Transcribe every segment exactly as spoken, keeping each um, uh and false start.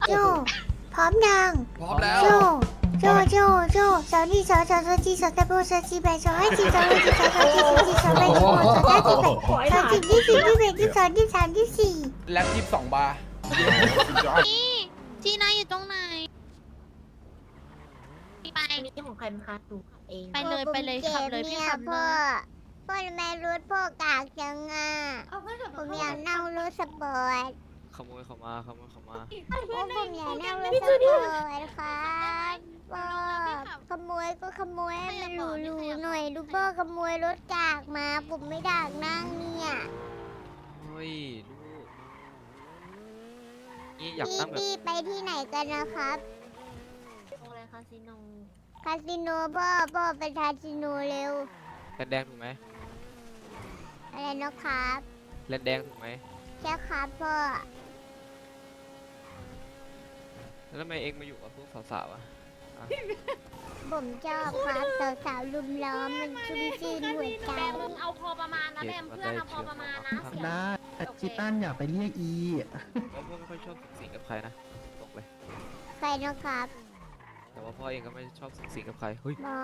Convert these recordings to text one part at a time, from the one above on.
โจพร้อมยังพร้อมแล้วโจโจโจโจสาวนี่สาวสาวสาวจีสาวตะโบสาวจีแบสาวให้จีสาวให้จีสาวสาวจีสาวจีสาวแบสาวสาวจีแบสาวจีที่สี่ที่แบที่สองที่สามที่สี่แล็บยี่สิบสองบาร์นี่จีน่าอยู่ตรงไหน ไปนี่ของใครคะดูเองไปเลยไปเลยขับเลยพี่ขับเลพ่อย พ่อทำไมรถพ่อกากจังอ่ะผมอยากนั่งรถสปอร์ตขโมยเขามาขโมยเขามาโอ้ผมอยากนั่งรถสปอร์ตครับพ่อขโมยก็ขโมยให้มันหรูๆหน่อยดูพ่อขโมยรถกากมาผมไม่อยากนั่งเนี่ยเฮ้ยลูกนี่อยากพี่นั่งแบบพี่ไปที่ไหนกันนะครับตรงอะไรคาสิโนคาสิโนพ่อพ่อไปคาสิโนเร็วแลนแดงถูกไหมอะไรนะครับแลนแดงถูกไหมใช่ครับพ่อแล้วทำไมเองมาอยู่กับพวกสาวๆอ่ะอ่ะผมชอบครับสาวๆลุมล้อมมันชุ่มชื่นหัวใจแบมมึงเอาพอประมาณนะแบมเพื่อนเอาพอประมาณนะเสียได้จิตันอยากไปเรียกอีแล้วพ่อไม่ค่อยชอบสิงกับใครนะบอกเลยใครนะครับแต่ว่าพ่อเองก็ไม่ชอบสิงกับใครเฮ้ยพ่อ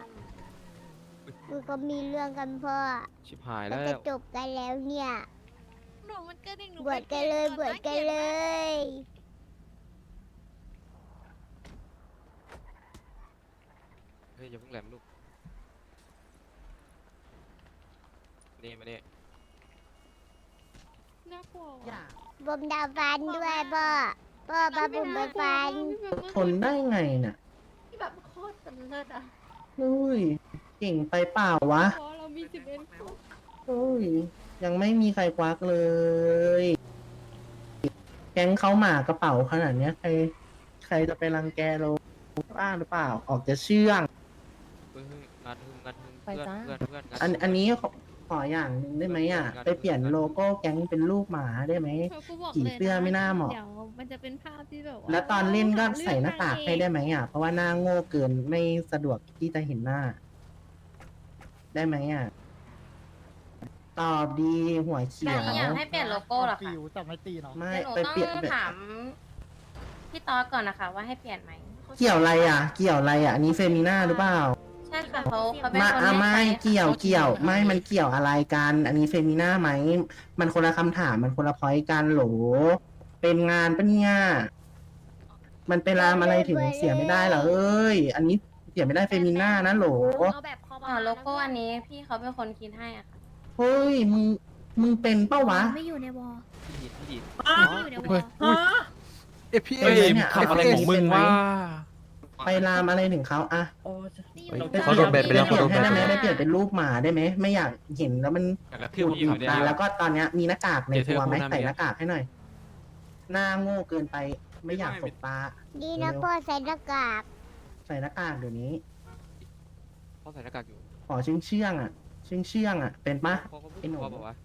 คือก็มีเรื่องกันพ่อชิบหายก็แล้จะวจบกันแล้วเนี่ยหนูมันกระดิ่งหนูบวชกันเลยบวชกันเลยเฮ้ยอย่าเพิ่งแหลมลูกนี่มาเนี่ยน่ากลัวอย่าผมดาวฟันด้วยพ่อพ่อพาผมไปฟันทนได้ไงน่ะที่แบบโคตรสำเร็จอ่ะเฮ้ยเก่งไปเปล่าวะเพราะเรามีสิบเอ็ดคนเฮ้ยยังไม่มีใครควักเลย แก๊งเขาหมากระเป๋าขนาดเนี้ยใครใครจะไปรังแกเราบ้าหรือเปล่าออกจะเชื่องเฮ้ยเฮ้ยงานหึมงานหึมเพื่อนเพื่อนเพื่อนงานอันหึมอันนี้ขอขออย่างหนึ่งได้ไหมอ่ะ ไปเปลี่ยนโลโก้แก๊งเป็นรูปหมาได้ไหมกูบอกผีเลยเสื้อไม่น่าเหมาะเดี๋ยวมันจะเป็นภาพที่แบบว่าแล้วตอนเล่นก็ใส่หน้ากากให้ได้ไหมอ่ะ เพราะว่าหน้าโง่เกินไม่สะดวกที่จะเห็นหน้า ได้ไหมอ่ะ ตอบดีหัวเขียวอยากให้เปลี่ยนโลโก้เหรอคะแต่ไม่ตีเนาะไม่เดี๋ยวหนูไปต้องเปลี่ยนถามพี่ต๊อดก่อนนะคะ ว่าให้เปลี่ยนไหมเกี่ยวอะไรอ่ะ เกี่ยวอะไรอ่ะ อันนี้เฟมิน่าหรือเปล่าใช่ค่ะเขาเขาเป็นมาคนอ่ะให้ไม่ใช้เกี่ยวเกี่ยวไม่มันเกี่ยวอะไรกัน อันนี้เฟมิน่าไหม มันคนละคำถามมันคนละพอยต์กันโหล เป็นงานปะเนี่ย มันไปรามอะไรถึงเสียไม่ได้เหรอเอ้ย อันนี้เสียไม่ได้เฟมิน่านะโหลเอาแบบพออ๋อโลโก้อันนี้พี่เขาเป็นคนคิดให้อ่ะค่ะเฮ้ย มึง มึงเป็นเป้าวะไม่อยู่ในวอลพี่หยินพี่หยินไม่อยู่ในวอลเอยพี่เอเฮ้ยมเนี่ยขับอะไรของมึงวะไปรามอะไรถึงเขาอะไม่อยู่ในวอลเขาโดนแบนไปแล้วเปลี่ยนเขาโดนแบนให้ได้ไหมไปแล้วไม่เปลี่ยนเป็นรูปหมาได้ไหม ไม่อยากเห็นแล้วมันกระทืบพี่อยู่เนี่ยแล้วก็ตอนเนี้ยมีหน้ากากในเดี๋ยวเธอตัวไหมพูดนะใส่เมียหน้ากากให้หน่อย หน้าโง่เกินไป ไม่อยากสบตาดีนะพ่อใส่หน้ากากใส่หน้ากากเดี๋ยวนี้พ่อใส่หน้ากากอยู่ขอเชื่องเชื่องๆอ่ะ เชื่องเชื่องๆอ่ะ เป็นปะพ่อเขาพูดไอ้ถึหนูงพ่อบอกว่า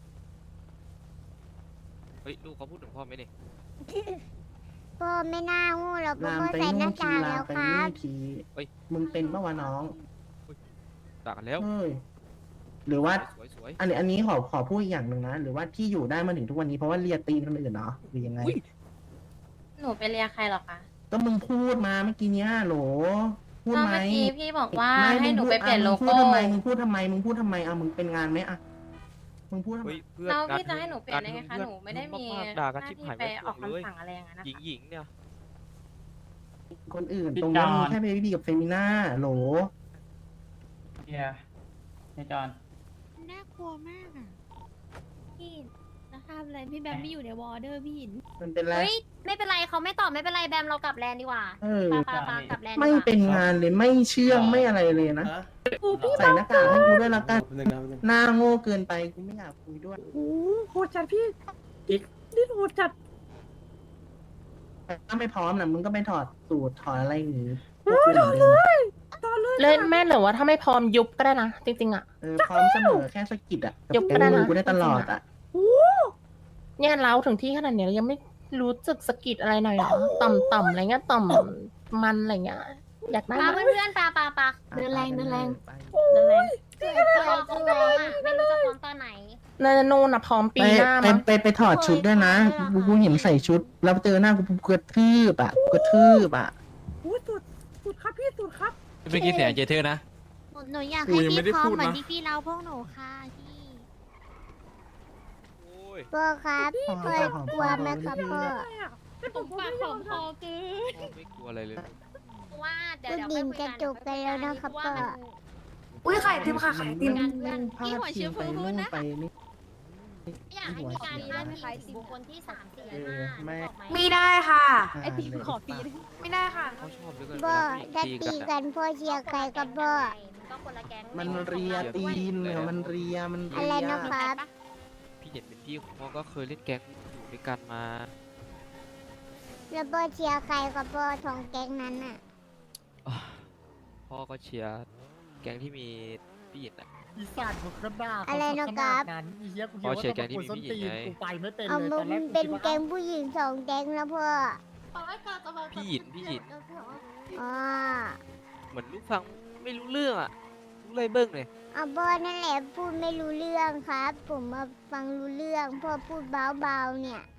เฮ้ยลูกเขาพูดถึงพ่อไหมเนี่ยพ่อไม่น่างูหรอกเพราะลามพ่อไปใส่หนู่น้านทีกากลาแล้มวไปครันี่บทีเฮ้ยมึงเป็นปะวะน้องด่ากันแล้วเฮ้ย หรือว่าสวยสวยอันนี้อันนี้ขอขอพูดอีกอย่างหนึ่งนะ หรือว่าที่อยู่ได้มาถึงทุกวันนี้เพราะว่าเลียตีนคนอื่นเนาะหรือยังไงหนูไปเรียกใครเหรอคะก็มึงพูดมาเมื่อกี้เนี้ยโหล พูดก็ไหมเมื่อกี้พี่บอกว่าไม่ให้หนูไปเปลี่ยนโลมึงพูโก้ดทำไมมึงพูดทำไมมึงพูดทำไมเอามึงเป็นงานไหมอะมึงพูดทำไมเฮ้ยเพื่อนแล้วการพี่จะให้หนูเปลี่ยนได้ไงคะการหนูไม่ได้มีเพื่อนหด่าน้ากันชิบที่หายไปไม่ออกถูกเลยคำสั่งอะไรอย่างนั้นนะหญิงคะหญิงเนี่ยคนอื่นพี่ตรงนี้จอนมีแค่เบบี้กับเฟมิน่าโหลเฮียเฮียจอนน่ากลัวมากอ่ะพี่จะทำอะไรพี่แบมไม่อยู่ในวอลเดอร์พี่หินมันเป็นไรเฮ้ยไม่เป็นไรเขาไม่ตอบไม่เป็นไรแบมเรากลับแลนด์ดีกว่าเออปาปาปากลับแลนด์ดีไม่กว่าเป็นงานเลยไม่เชื่องไม่อะไรเลยนะ ใส่หน้ากากให้กูด้วยละกัน หน้าโง่เกินไปกูไม่อยากคุยด้วยโอ้โหจัดพี่อีกนี่โหดจัดถ้าไม่พร้อมนะมึงก็ไปถอดสูตรถอดอะไรอย่างงี้พวกกูเหมือนเดิมเล่นแม่นหรือว่าถ้าไม่พร้อมยุบก็ได้นะ จริงๆอ่ะเออพร้อมเสมอแค่สะกิดอ่ะยกแกก็ได้มืนะอกูได้ตลอดอ่ะเนี่ยเล้าถึงที่ขนาดเนี้ยยังไม่รู้สึกสะกิดอะไรหน่อยเหรอต่ำๆอะไรเงี้ยต่ำมันอะไรเงี้ยอยากได้ปาไหมเพื่อนๆปาปาปาเดินแรงเดินแรงไปเดินแรงสวยๆเราจะฟ้องอ่ะไม่รู้จะฟ้องตอนไหนนาโนน่ะพร้อมไปปีหน้าไปมั้งไปไปถอดชุดด้วยนะกูกูเห็นใส่ชุด แล้วเจอหน้ากูกูกระทืบอ่ะกูกระทืบอ่ะเมื่อกี้เสียงเจเธอร์นะหนูอยากกูให้ยังไม่พี่ได้พร้อมพูดเหมือนนะที่พี่เล่าพวกหนูค่ะพี่โอ้ยพ่อครับพ่อกลัวไหมครับพ่อผมปากของคอเกินพ่อไม่กลัวอะไรเลยว่าเดี๋ยวก็เดี๋ยวดินกระจกกันแล้วนะครับพ่ออุ้ยไข่ติมค่ะไข่ติมพาดพิงไปนู่นไปนี่อยากให้มีการพาดพิงถึงบุคคลที่สามสี่เออแม่ไม่ได้ค่ะไอติมขอปีไม่ได้ค่ะเขาชอบเหลือเกินพ่อเวลาถ้าผู้หญิงตีตีกักัน นพ่อเชียร์ใครกับพ่อมันเรียตีนเนี่ยมันเรียมันอะเรีไรยนะครับพี่เห็นเป็นพี่ของพ่อก็เคยเล่นแก๊งอยู่ด้วยกันมาแล้วพ่อเชียร์ใครกับพ่อทองแก๊งนั้นอ่ะอ่ะพ่อก็เชียร์แก๊งที่มีพี่หยินอ่ะอีสานผมก็ด่าอะไรนะครับนั้นอีเหี้ยกูพอเหี้ยเชียร์ว่าแก๊งที่มีส้นผู้หญิตีงนไงกูไปไม่เป็นเอาเลยมึตอนแรกงกูเป็นคิดว่าแก๊งผู้หญิงสองแก๊งแล้วพ่อพี่หยินพี่หยินอ๋อเหมือนลูกฟังไม่รู้เรื่องอ่ะรู้เลยเบิ้งเลยเอาพ่อนั่นแหละพูดไม่รู้เรื่องครับ ผมมาฟังรู้เรื่องพ่อพูดเบาๆเนี่ย